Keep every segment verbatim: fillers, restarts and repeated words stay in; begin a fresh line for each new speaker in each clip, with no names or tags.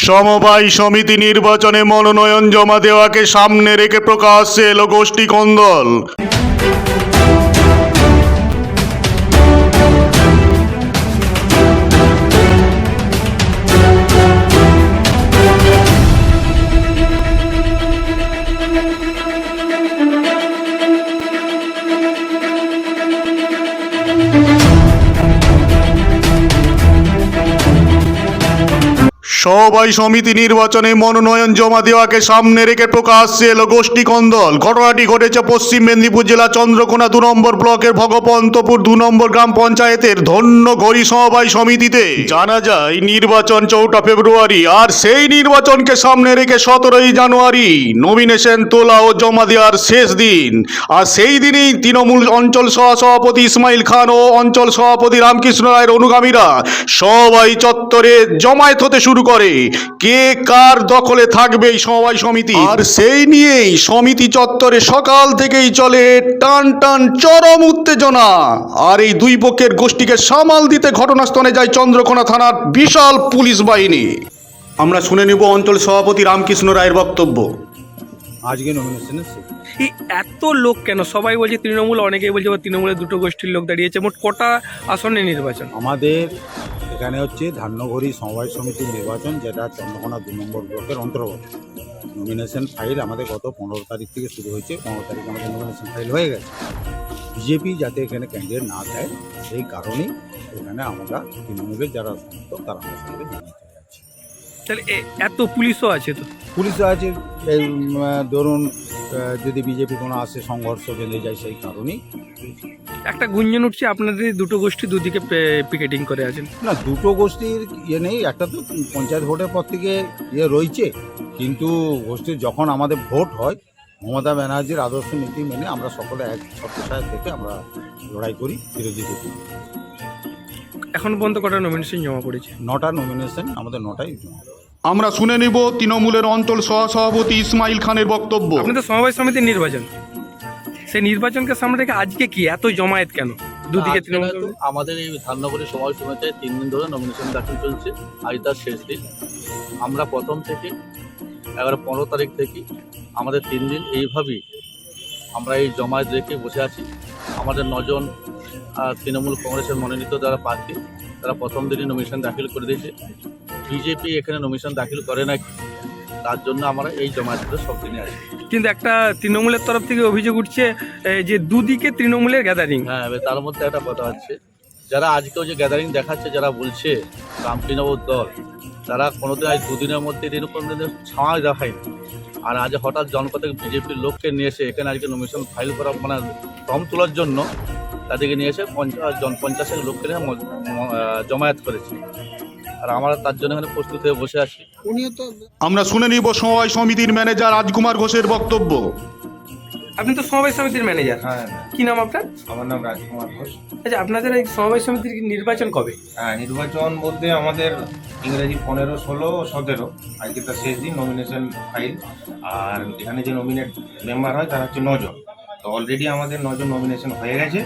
সমবায় সমিতি নির্বাচনে মনোনয়ন জমা দেওয়াকে সামনে রেখে প্রকাশ্যে এলো গোষ্ঠী কোন্দল। সমবায় সমিতি নির্বাচনে মনোনয়ন জমা দেওয়াকে সামনে রেখে প্রকাশ্যে এলো গোষ্ঠী কোন্দল। ঘটনাটি ঘটেছে পশ্চিম মেদিনীপুর জেলা চন্দ্রকোনা দু নম্বর ব্লকের ভগবন্তপুর দু নম্বর গ্রাম পঞ্চায়েতের ধন্যঘড়ি সমবায় সমিতিতে। জানা যায় নির্বাচন চৌঠা ফেব্রুয়ারি, আর সেই নির্বাচনকে সামনে রেখে সতেরোই জানুয়ারি নমিনেশন তোলা ও জমা দেওয়ার শেষ দিন। আর সেই দিনেই তৃণমূল অঞ্চল সহসভাপতি ইসমাইল খান ও অঞ্চল সভাপতি রামকৃষ্ণ রায়ের অনুগামীরা সমবায় চত্বরে জমায়েত হতে শুরু করে কে কার দখলে থাকবে এই সমবায় সমিতি। আর সেই নিয়েই সমিতি চত্বরে সকাল থেকেই চলে টান টান চরম উত্তেজনা। আর এই দুই পক্ষের গোষ্ঠীকে সামাল দিতে ঘটনাস্থলে যায় চন্দ্রকোনা থানার বিশাল পুলিশ বাহিনী। আমরা শুনে নেব অঞ্চল সভাপতি রামকৃষ্ণ রায়ের বক্তব্য।
আজকে নমিনেশনের
এই এত লোক কেন? সবাই বলছে তৃণমূল, অনেকেই বলছে তৃণমূলের দুটো গোষ্ঠীর লোক দাঁড়িয়েছে। মোট কটা আসনে নির্বাচন?
আমাদের এখানে হচ্ছে ধান্যঘড়ি সমবায় সমিতির নির্বাচন, যেটা চন্দ্রকোনা দু নম্বর ব্লকের অন্তর্গত। নমিনেশন ফাইল আমাদের গত পনেরো তারিখ থেকে শুরু হয়েছে। পনেরো তারিখ আমাদের নমিনেশন ফাইল হয়ে গেছে। বিজেপি যাতে এখানে ক্যান্ডিডেট না দেয় সেই কারণেই এখানে আমরা তৃণমূলের যারা সমর্থক তারা আমাদের সঙ্গে জানাতে যাচ্ছি।
তাহলে এত পুলিশও আছে তো?
পুলিশও আছে, এই ধরুন যদি বিজেপি কোনো আসে সংঘর্ষ বেঁধে যায় সেই কারণেই।
একটা গুঞ্জন উঠছে আপনাদের দুটো গোষ্ঠী দুদিকে পিকেটিং করে আছেন।
না, দুটো গোষ্ঠীর ইয়ে নেই, একটা তো পঞ্চায়েত ভোটের পর থেকে ইয়ে রয়েছে, কিন্তু গোষ্ঠীর যখন আমাদের ভোট হয় মমতা ব্যানার্জির আদর্শ নীতি মেনে আমরা সকলে এক সত্যসায় থেকে আমরা লড়াই করি বিরোধী করি।
এখন পর্যন্ত কটা নমিনেশন জমা করেছে?
নটা নমিনেশন আমাদের নটাই জমা।
আমরা শুনে নেব তৃণমূলের অঞ্চল সহসভাপতি ইসমাইল খানের বক্তব্য।
আপনাদের সমবায় সমিতির নির্বাচন, সেই নির্বাচনকে সামনে রেখে আজকে কি এত জমায়েত কেন দুদিকে? তৃণমূল
আমাদের এই ধান্যঘড়ি সমবায় সমিতিতে তিন দিন ধরে নমিনেশন দাখিল চলছে, আজ তার শেষ দিন। আমরা প্রথম থেকে এগারো পনেরো তারিখ থেকে আমাদের তিন দিন এইভাবেই আমরা এই জমায়েত রেখে বসে আছি। আমাদের নজন তৃণমূল কংগ্রেসের মনোনীত যারা প্রার্থী তারা প্রথম দিনই নমিনেশন দাখিল করে দিয়েছে। বিজেপি এখানে নমিনেশন দাখিল করে না, তার জন্য আমরা এই জমায়েতগুলো সব দিনে আছি।
কিন্তু একটা তৃণমূলের তরফ থেকে অভিযোগ উঠছে যে দুদিকে তৃণমূলের গ্যাদারিং।
হ্যাঁ, তার মধ্যে একটা কথা হচ্ছে, যারা আজকেও যে গ্যাদারিং দেখাচ্ছে, যারা বলছে রামকৃষ্ণবাবুর দল, তারা কোনোদিন আজ দুদিনের মধ্যে এরকম দিনের ছাওয়া দেখায়নি। আর আজ হঠাৎ জনপথে বিজেপির লোককে নিয়ে এসে এখানে আজকে নমিনেশন ফাইল করা মানে ফর্ম তোলার জন্য তাদেরকে নিয়ে এসে পঞ্চাশ জন পঞ্চাশের লোককে নিয়ে জমায়েত করেছে। আর আমরা তার জন্য এখানে প্রস্তুত হয়ে বসে আছি।
আমরা শুনে নিব সমবায় সমিতির ম্যানেজার রাজকুমার ঘোষের বক্তব্য।
আপনি তো সমবায় সমিতির ম্যানেজার।
হ্যাঁ,
কি নাম আপনার?
আমার নাম রাজকুমার ঘোষ।
আচ্ছা, আপনাদের এই সমবায় সমিতির নির্বাচন কবে?
হ্যাঁ, নির্বাচন বলতে আমাদের ইংরেজি পনেরো ষোলো সতেরো আজকে তার শেষ দিন নমিনেশন ফাইল। আর এখানে যে নমিনেট মেম্বার হয় তারা হচ্ছে নজন। তো অলরেডি আমাদের নজন নমিনেশন হয়ে গেছে।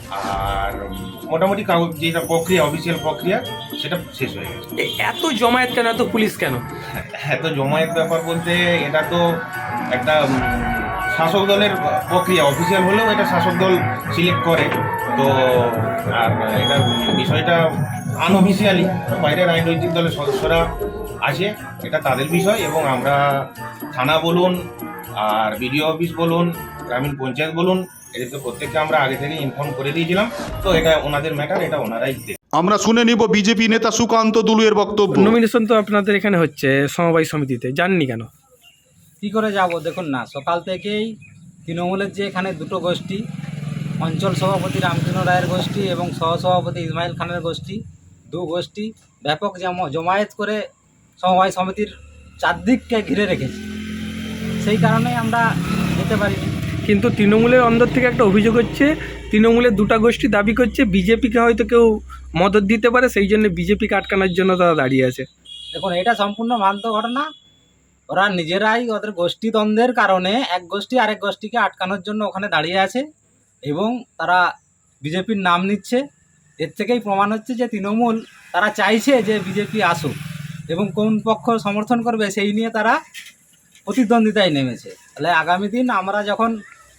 আর মোটামুটি কাগজ যেটা প্রক্রিয়া, অফিসিয়াল প্রক্রিয়া, সেটা শেষ হয়ে গেছে।
এত জমায়েত কেন, এত পুলিশ কেন?
এত জমায়েত ব্যাপার বলতে এটা তো একটা শাসক দলের প্রক্রিয়া, অফিসিয়াল হলেও এটা শাসক দল সিলেক্ট করে। তো আর এটা বিষয়টা আনঅফিসিয়ালি বাইরের রাজনৈতিক দলের সদস্যরা আসে, এটা তাদের বিষয়। এবং আমরা থানা বলুন আর বিডিও অফিস বলুন, গ্রামীণ পঞ্চায়েত বলুন, এদেরকে প্রত্যেককে আমরা আগে থেকে ইনফর্ম করে দিয়েছিলাম। তো এটা ওনাদের ম্যাটার, এটা ওনারাই দেন।
আমরা শুনে নিব বিজেপি নেতা সুকান্ত দুলুয়ের বক্তব্য।
নমিনেশন তো আপনাদের এখানে হচ্ছে সমবায় সমিতিতে, জাননি কেন?
কী করে যাব? দেখুন না, সকাল থেকেই তৃণমূলের যে এখানে দুটো গোষ্ঠী, অঞ্চল সভাপতি রামকৃষ্ণ রায়ের গোষ্ঠী এবং সহসভাপতি ইসমাইল খানের গোষ্ঠী, দু গোষ্ঠী ব্যাপক জমায়েত করে সমবায় সমিতির চারদিককে ঘিরে রেখেছে। সেই কারণেই আমরা যেতে পারিনি।
কিন্তু তৃণমূলের অন্দর থেকে একটা অভিযোগ হচ্ছে, তৃণমূলের দুটা গোষ্ঠী দাবি করছে বিজেপিকে হয়তো কেউ মদত দিতে পারে, সেই জন্য বিজেপিকে আটকানোর জন্য তারা দাঁড়িয়ে আছে।
দেখুন, এটা সম্পূর্ণ ভ্রান্ত ঘটনা। ওরা নিজেরাই ওদের গোষ্ঠী দ্বন্দ্বের কারণে এক গোষ্ঠী আরেক গোষ্ঠীকে আটকানোর জন্য ওখানে দাঁড়িয়ে আছে এবং তারা বিজেপির নাম নিচ্ছে। এর থেকেই প্রমাণ হচ্ছে যে তৃণমূল তারা চাইছে যে বিজেপি আসুক, এবং কোন পক্ষ সমর্থন করবে সেই নিয়ে তারা প্রতিদ্বন্দ্বিতায় নেমেছে। তাহলে আগামী দিন আমরা যখন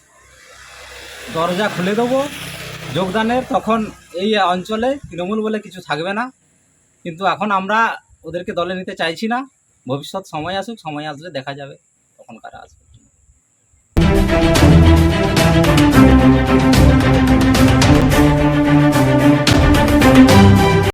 দরজা খুলে দেবো যোগদানের, তখন এই অঞ্চলে তৃণমূল বলে কিছু থাকবে না। কিন্তু এখন আমরা ওদেরকে দলে নিতে চাইছি না। ভবিষ্যৎ সময় আসুক, সময় আসলে দেখা যাবে তখন কারা আসবে।